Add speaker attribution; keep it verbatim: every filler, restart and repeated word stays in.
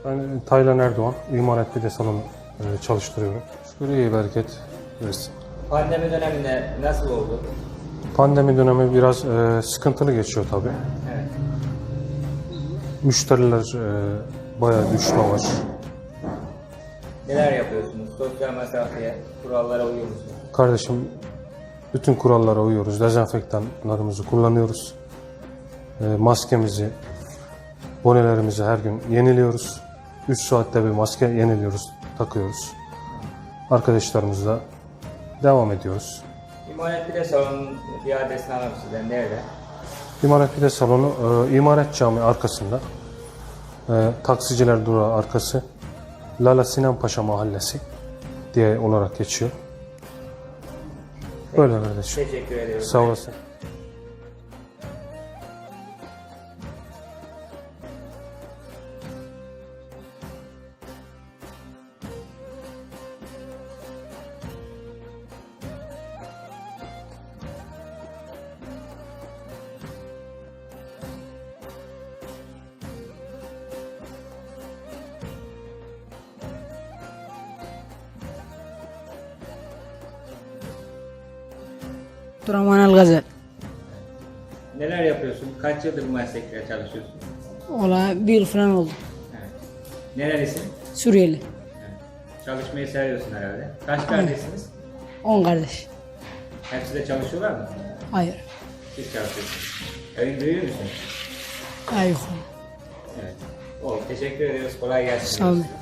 Speaker 1: Ben Taylan Erdoğan, İmaret Pide Salonu e, çalıştırıyorum. Şükür iyi bereket versin.
Speaker 2: Pandemi döneminde nasıl oldu?
Speaker 1: Pandemi dönemi biraz e, sıkıntılı geçiyor tabii.
Speaker 2: Evet.
Speaker 1: Müşteriler e, bayağı düşme var.
Speaker 2: Neler yapıyorsunuz? Sosyal mesafeye, kurallara uyuyor musunuz?
Speaker 1: Kardeşim bütün kurallara uyuyoruz. Dezenfektanlarımızı kullanıyoruz. E, maskemizi, bonelerimizi her gün yeniliyoruz. üç saatte bir maske yeniliyoruz, takıyoruz. Arkadaşlarımızla devam ediyoruz.
Speaker 2: İmaret Pide Salonu'nun bir adresini alalım sizden. Nerede?
Speaker 1: İmaret Pide Salonu, e, İmaret Camii arkasında. E, taksiciler durağı arkası. Lala Sinan Paşa Mahallesi diye olarak geçiyor. Böyle kardeşim.
Speaker 2: Teşekkür ediyorum.
Speaker 1: Sağ olasın.
Speaker 3: Abdurrahman Algazel.
Speaker 2: Neler yapıyorsun? Kaç yıldır bu meslekle çalışıyorsun?
Speaker 3: Ola bir yıl falan oldu.
Speaker 2: Evet. Nerelisin?
Speaker 3: Suriyeli.
Speaker 2: Evet. Çalışmayı seviyorsun herhalde. Kaç kardeşsiniz?
Speaker 3: On kardeş.
Speaker 2: Hepsi de çalışıyorlar mı?
Speaker 3: Hayır.
Speaker 2: Siz çalışıyorsunuz. Evin büyüğü müsün?
Speaker 3: Hayır.
Speaker 2: Evet. Oldu. Teşekkür ediyoruz. Kolay gelsin.
Speaker 3: Sağ olun.